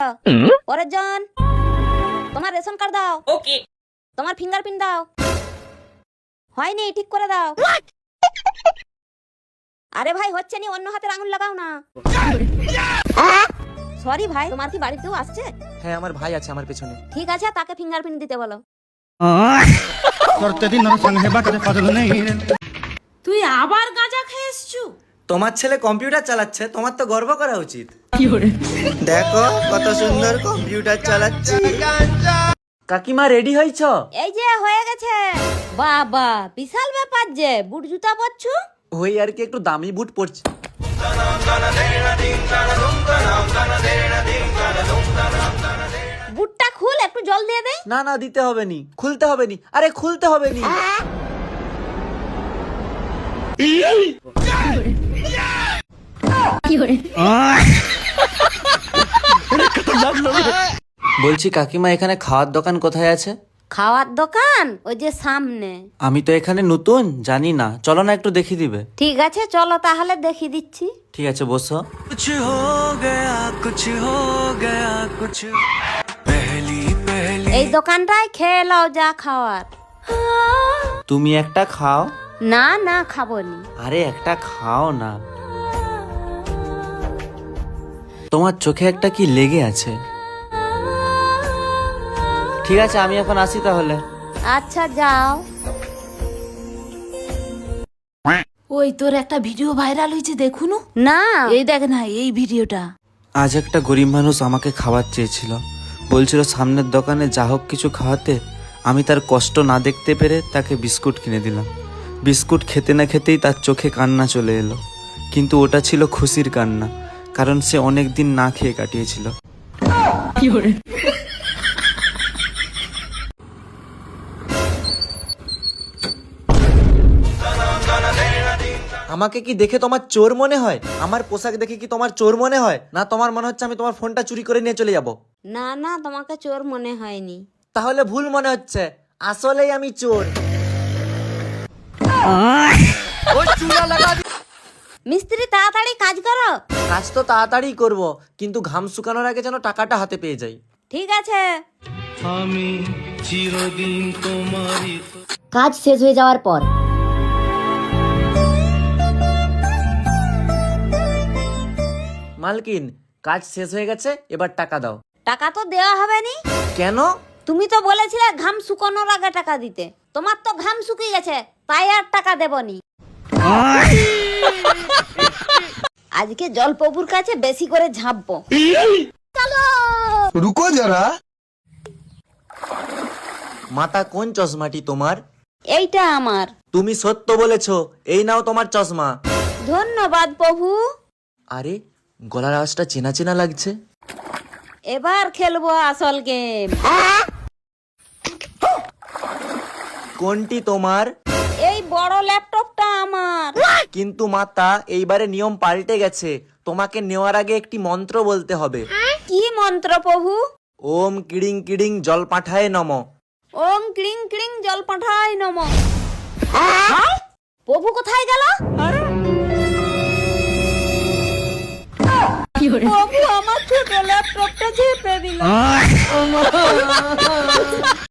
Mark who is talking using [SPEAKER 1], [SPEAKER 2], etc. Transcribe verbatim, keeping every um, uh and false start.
[SPEAKER 1] পরের জন, তোমার ration card দাও। ওকে। তোমার ফিঙ্গারপ্রিন্ট দাও। হয়নি, ঠিক করে দাও। আরে ভাই হচ্ছে নি, অন্য হাতের আঙুল লাগাও না। সরি ভাই, তোমার কি বাড়িতেও আসছে?
[SPEAKER 2] হ্যাঁ, আমার ভাই আছে আমার পেছনে।
[SPEAKER 1] ঠিক আছে, তাকে ফিঙ্গারপ্রিন্ট দিতে বলো।
[SPEAKER 3] তুই আবার গাঁজা খেয়ে এসছু?
[SPEAKER 2] তোমার ছেলে কম্পিউটার চালাচ্ছে, তোমার তো গর্ব করা উচিত। দেখো কত সুন্দর কম্পিউটার চালাচ্ছে। কাকিমা রেডি হইছ?
[SPEAKER 1] এই যে হয়ে গেছে। বাবা বিশাল ব্যাপার যে, বুট জুতা পরছু?
[SPEAKER 2] ওই আর কি, একটু দামি বুট পরছি।
[SPEAKER 1] বুটটা খুল, একটু জল দিয়ে দে।
[SPEAKER 2] না না, দিতে হবে নি, খুলতে হবে নি। আরে খুলতে হবে নি। বলছি কাকিমা, এখানে খাওয়ার দোকান কোথায় আছে?
[SPEAKER 1] খাওয়ার দোকান ওই যে সামনে।
[SPEAKER 2] আমি তো এখানে নতুন, জানি না, চলো না একটু দেখিয়ে দিবে।
[SPEAKER 1] ঠিক আছে চলো তাহলে, দেখি দিচ্ছি।
[SPEAKER 2] ঠিক আছে, বসো। कुछ हो गया कुछ हो गया कुछ पहली पहली।
[SPEAKER 1] এই দোকানটায় খেয়ে নাও যা খাওয়ার।
[SPEAKER 2] তুমি একটা খাও।
[SPEAKER 1] না না, খাবো নি।
[SPEAKER 2] আরে একটা খাও না। তোমার চোখে একটা কি লেগে আছে। ঠিক আছে, আমি এখন আসি তাহলে।
[SPEAKER 1] আচ্ছা যাও।
[SPEAKER 3] ওই তোর একটা ভিডিও ভাইরাল হয়েছে, দেখুন
[SPEAKER 1] না,
[SPEAKER 3] এই দেখ না এই ভিডিওটা।
[SPEAKER 2] আজ একটা গরিব মানুষ আমাকে খাবার চেয়েছিল, বলছিল সামনের দোকানে যা হোক কিছু খাওয়াতে। আমি তার কষ্ট না দেখতে পেরে তাকে বিস্কুট কিনে দিলাম। বিস্কুট খেতে না খেতেই তার চোখে কান্না চলে এলো, কিন্তু ওটা ছিল খুশির কান্না, কারণ সে অনেক দিন না খেয়ে কাটিয়েছিল। আমাকে কি দেখে তোমার চোর মনে হয়? আমার পোশাক দেখে কি তোমার চোর মনে হয়? না তোমার মনে হচ্ছে আমি তোমার ফোনটা চুরি করে নিয়ে চলে যাব?
[SPEAKER 1] না না, তোমাকে চোর মনে হয়নি।
[SPEAKER 2] তাহলে ভুল মনে হচ্ছে, আসলেই আমি চোর।
[SPEAKER 1] মিস্ত্রি তাড়াতাড়ি কাজ করো।
[SPEAKER 2] কাজ তো তাড়াতাড়ি করব, কিন্তু ঘাম শুকানোর আগে যেন টাকাটা হাতে পেয়ে যাই।
[SPEAKER 1] ঠিক আছে।
[SPEAKER 4] আমি চিরদিন তোমারই।
[SPEAKER 1] কাজ শেষ হয়ে যাওয়ার পর
[SPEAKER 2] মালকিন, কাজ শেষ হয়ে গেছে, এবার টাকা দাও।
[SPEAKER 1] টাকা তো দেওয়া হবে নি।
[SPEAKER 2] কেন?
[SPEAKER 1] তুমি তো বলেছিলে ঘাম শুকানোর আগে টাকা দিতে। তোমার তো ঘাম শুকিয়ে গেছে, তাই আর টাকা দেবনি। আজকে জলপ্রভুর কাছে বেশি করে ঝাঁপবো। চলো।
[SPEAKER 5] রুকো যারা।
[SPEAKER 2] মাতা কোন চশমাটি তোমার?
[SPEAKER 1] এইটা আমার।
[SPEAKER 2] তুমি সত্য বলেছো, এই নাও তোমার চশমা।
[SPEAKER 1] ধন্যবাদ প্রভু।
[SPEAKER 2] আরে গলার আওয়াজটা চেনা চেনা লাগছে।
[SPEAKER 1] এবার খেলবো আসল গেম।
[SPEAKER 2] কোনটি তোমার?
[SPEAKER 1] এই বড় ল্যাপটপটা আমার।
[SPEAKER 2] কিন্তু মাতা, এইবারে নিয়ম পাল্টে গেছে, তোমাকে নেওয়ার আগে একটি মন্ত্র বলতে হবে।
[SPEAKER 1] কি মন্ত্র প্রভু?
[SPEAKER 2] ওম কিড়িং কিড়িং জল পাঠায় নম।
[SPEAKER 1] ওম ক্লিং ক্লিং জল পাঠাই নম। প্রভু কোথায় গেল? প্রভু আমার ছোট ল্যাপটপটা চেপে দিল।